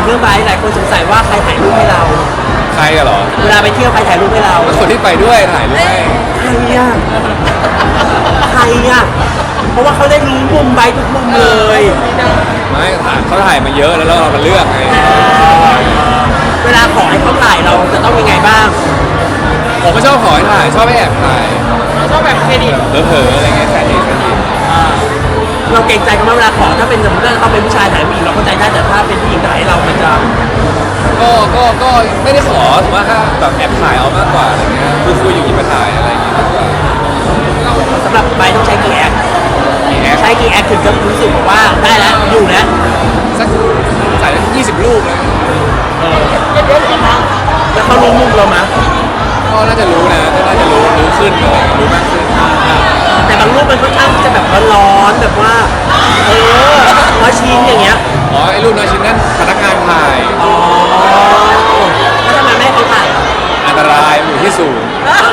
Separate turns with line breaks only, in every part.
รื่องไบค์หลายคนสงสัยว่าใครถ่ายรูปให้เรา
ใครกันเหรอ
เวลาไปเที่ยวใครถ่ายรูปให้เรา
คนที่ไปด้วยถ่ายรูปให้
ใครอ่ะใครอ่ะเพราะว่าเขาได้รู้มุมไบค์ทุกมุมเลย
ไม่เขาถ่ายมาเยอะแล้วเรามาเลือกไง
เวลาขอให้เขาถ่ายเราจะต้องยังไงบ้าง
ผมไม่ชอบขอให้ถ่ายชอบให้แอบถ่าย
ชอบแบบเครดิต
เผลอๆอะไรเงี้ยแค่นี้แค่นี้
เราเกรงใจกันมากเวลาขอถ้าเป็นสมมติว่าเขาเป็นผู้ชายถ่ายผู้หญิงเราเข้าใจได้แต่ถ้าเป็นผู้หญิงถ่ายให้เรามันจะ
ก็ไม่ได้ขอแต่ว่าถ้าแบบแอบถ่ายเอามากกว่าอะไรเงี้ยคุยอยู่หยิบมาถ่ายอะไรอย่างเงี้ยมากกว่า
สำหรับไบค์ต้องใช้กี่แอคใช้กี่แอคถึงจะรู้สึกว่าได้แล้วอยู่แล้ว
สักถ่าย20 รูปเลย
แล้วเขารู้มุมเราไหม
ก็น่าจะรู้นะก็น่าจะรู้ขึ้นอะไรรู้มากขึ้น
แต่บางรูปมันค่อนข้างที่จะแบบร้อนๆแบบว่าร้อยชิ้นอย่างเงี้ย
อ๋อไอ้รูปน้อยชิ้นนั้นพนักงานถ่าย
อ๋อแล้วทำไมไม่ให้เขาถ่าย
อันตรายอยู่ที่สูง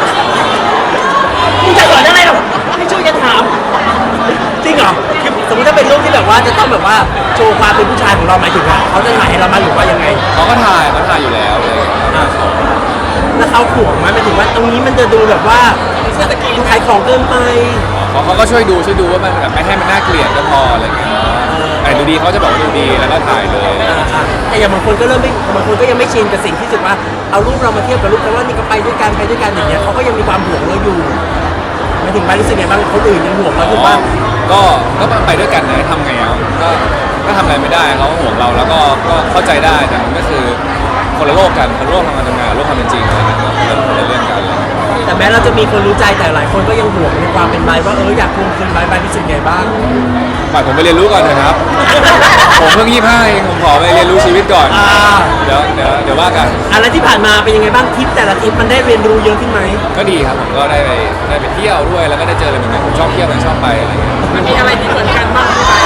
มึงจะสอนอะไรหรอให้ช่วยกันถามจริงเหรอคือสมมติถ้าเป็นรูปที่แบบว่าจะต้องแบบว่าโชว์ความเป็นผู้ชายของเราหมายถึงว่าเขาจะถ่ายให้เรามาหรือว่ายังไง
เขาถ่ายอยู่แล้วเลย
แล้วเขาห่วงไหมหมายถึงว่าตรงนี้มันจะดูแบบว่าขายของเกินไป
เขาก็ช่วยดูว่ามันแบบไม่ให้มันน่าเกลียดก็พออะไรเงี้ยแต่ดูดีเขาจะบอกว่าดูดีแล้วก็ถ่ายเลย
แต่อย่างบางคนก็เริ่มไม่บางคนก็ยังไม่ชินกับสิ่งที่รู้สึกว่าเอารูปเรามาเทียบกับรูปแต่ว่านี่ก็ไปด้วยกันอย่างเงี้ยเขาก็ยังมีความห่วงเราอยู่หมายถึงไปรู้สึกไงบ้างคนอื่นยังห่วงเราถูกป่ะ
ก็ไปด้วยกันนะทำไงอ่ะก็ทำอะไรไม่ได้เขาห่วงเราแล้วก็เข้าใจได้แต่มันก็คือคนละโลกกันคนละโลกทำงานโลกความเป็นจริงอะไรเงี้ยคนละเรื่องกัน
แต่แม้เราจะมีคนรู้ใจแต่หลายคนก็ยังห่วงในความเป็นไบว่าอยากทวงคืนไบรู้สึกไงบ้าง
ปล่อยผมไปเรียนรู้ก่อนเถอะครับ ผมเพิ่ง25เองผมขอไปเรียนรู้ชีวิตก่อนเดี๋ยวว่ากัน
แล้วที่ผ่านมาเป็นยังไงบ้างทริปแต่ละทริปมันได้เรียนรู้เยอะขึ้นไหม
ก็ดีครับผมก็ได้ไปเที่ยวด้วยแล้วก็ได้เจออะไรใหม่ๆผมชอบเที่ยวนะชอบไปอะไรเงี้ย
มันมีอะไรที่เหมือนกันบ้างที่ไบ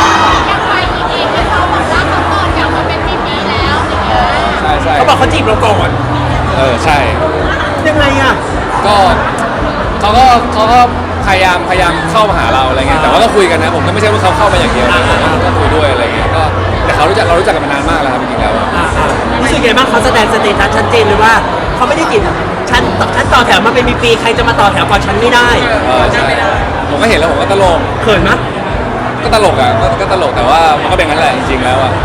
ใช่
เขาบอกเขาจีบเราก่อน
ใช่
ยังไงอ่ะ
ก็เขาก็พยายามเข้ามาหาเราอะไรเงี้ยแต่ว่าก็คุยกันนะผมก็ไม่ใช่ว่าเขาเข้ามาอย่างเดียวนะผมก็คุยด้วยอะไรเงี้ยก็แต่เรารู้จักกันมานานมากแล้วครับจริงๆแล้ว
รู้สึกไงบ้างเขาแสดงสเตตัสชัดเจนเลยว่าเขาไม่ได้จีบฉันต่อแถวมาเป็นปีๆใครจะมาต่อแถวก่อนฉันไม่ได้
ใช่ผมก็เห็นแล้วผมก็ตลก
เขินมั้ย
ก็ตลกอ่ะก็ตลกแต่ว่ามันก็เป็นงั้นแหละจริงๆแล้วอ่ะ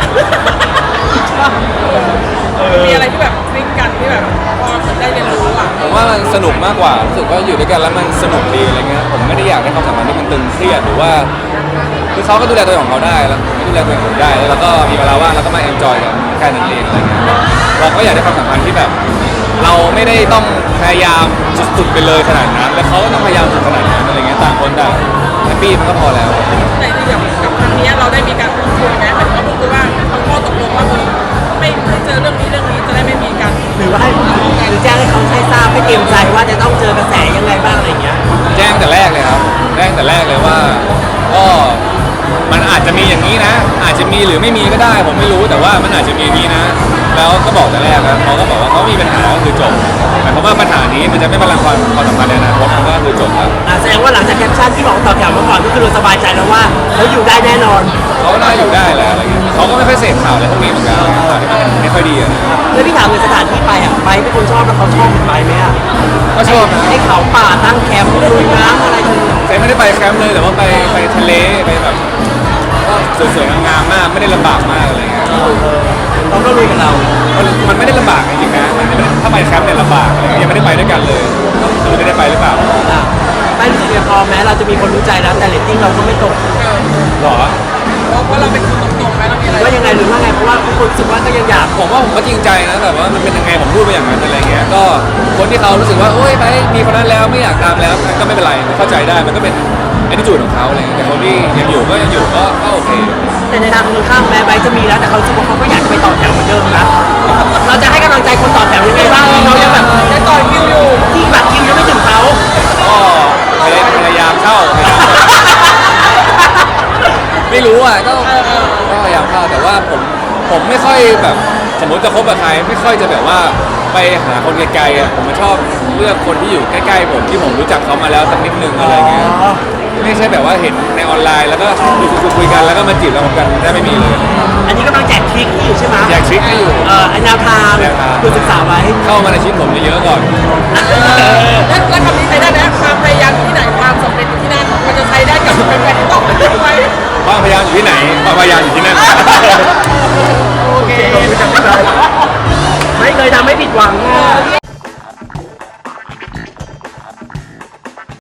มีอะไรที่แบบคลิกกันที่แบบพอได้เรียนรู้อ่ะ
ผมว่ามันสนุกมากกว่ารู้สึกว่าอยู่ด้วยกันแล้วมันสนุกดีอะไรเงี้ยผมไม่ได้อยากให้ความสัมพันธ์ที่มันตึงเครียดหรือว่าคือเขาก็ดูแลตัวเองของเขาได้แล้วผมก็ดูแลตัวเองของผมได้แล้วเราก็มีเวลาว่างแล้วก็มาเอนจอยกันแค่นั้นเองอะไรเงี้ยเราก็อยากได้ความสัมพันธ์ที่แบบ เราไม่ได้ต้องพยายามสุดๆไปเลยขนาดนั้นแล้วเขาก็ต้องพยายามสุดขนาดนั้นอะไรเงี้ยต่างคนต่างแฮปปี้มันก็พอแล้ว
แต่อย่างกับครั้งนี้เราได้มีการพูดคุยไหมเหมือนเขาพูดคุยว่าเขาข้อตกลงว่าไม่เจอเรื่องนี้จะได้ไม่มีกัน
หรือว่าให้หรือแจ้งให้เขาให้ทราบให้เตรียมใจว่าจะต้องเจอกระแสยังไงบ้างอะไรเงี้ย
แจ้งแต่แรกเลยครับแจ้งแต่แรกเลยว่าก็มันอาจจะมีอย่างนี้นะ อาจจะมีหรือไม่มีก็ได้ ผมไม่รู้แต่ว่ามันอาจจะมีอย่างนี้นะ แล้วก็บอกแต่แรกแล้วเขาก็บอกว่าเขามีปัญหาก็คือจบหมายความว่าปัญหานี้มันจะไม่มาลังความสัมพันธ์ในอนาคตมันก็คือจบครับ
แสดงว่าหลังจากแคปชั่นที่บอกต่อแถวมาก่อนก็คือเราสบายใจแล้วว่าเขาอยู่ได้แน่นอน
เขาก็น่าอยู่ได้แหละอะไรเงี้ยเขาก็ไม่ค่อยเสพข่าวอะไรพวกนี้เหมือนกันข่าวที่มันไม่ค่อยดีอะนะ
แล้วพี่ถามในสถานที่ไปไบเป็นคนชอบแล้วเขาชอบไบไหมอ่ะ
ก็ชอบนะ
ให้เขาป่าตั้งแคมป์ลุยน้ำอะไรกัน
แต่ไม่ได้ไปแคมป์เลยแต่ว่าไปทะเลไปแบบก็สวยๆงามๆมากไม่ได้ลำบากมากอะไรเงี้ย
เขาก็ลุยกับเรา
มันไม่ได้ลำบากจริงๆนะมันไม่ได้ถ้าไปแคมป์เนี่ยลำบากอะไรเงี้ยยังไม่ได้ไปด้วยกันเลยไม่รู้จะได้ไปหรือเปล่า
ไม่รู้สึกยังพอแม้เราจะมีคนรู้ใจแล้วแต่เรตติ้งเราก็ไม่ตก
หรอ
เพราะเราเป็นคนตรงๆไหมเรามีอะไร
ว่ายังไงหรือว่าไงเพราะว่าทุกคนรู้สึกว่าก็ยังอยาก
ผมว่าผมก็จริงใจนะแต่ว่ามันเป็นยังไงผมพูดไปอย่างนั้นอะไรเงี้ยก็คนที่เขารู้สึกว่าโอ๊ยไปมีคนนั้นแล้วไม่อยากตามแล้วก็ไม่เป็นไรเข้าใจได้มันก็เป็นattitudeของเขาอะไรเงี้ยแต่คนที่ยังอยู่ก็โอเค
แต่ในทางตรงข้ามแม้ไบจะมีแล้วแต่เขารู้สึกว่าเขาก็อยากจะไปต่อแถวเหมือนเดิมนะเราจะให้กำลังใจคนต่อแถวยังไงบ้างเขายังแบบได้ต่อคิวอยู่ที่บัตรคิวยังไม่ถึงเขา
ก็พยายามเข้าไม่รู้อ่ะก็พยายามเข้าแต่ว่าผมไม่ค่อยแบบสมมติจะคบกับใครไม่ค่อยจะแบบว่าไปหาคนไกลๆอ่ะผมชอบเลือกคนที่อยู่ใกล้ๆผมที่ผมรู้จักเขามาแล้วสักนิดนึงอะไรเงี้ยไม่ใช่แบบว่าเห็นในออนไลน์แล้วก็คุยกันแล้วก็มาจีบเราเหมือนกันได้ไม่มีเลย
อันนี้กำลังแจกทริคอยู่ใช่ไหม
อยากทริคให้อยู่ทาง
คือศึกษาไว้
เข้ามาในชีวิตผมเยอะๆก่อน
แล้วคำนี้ใช้ได้นะความพยายามอยู่ที่ไหนความสำเร็จอยู่ที่นั่นมันจะใช้ได้กับแฟนๆที่ต้องไปด้วยไหม
ความพยายามอยู่ที่ไหนความพยายามอยู่ที่นั่น
โอเค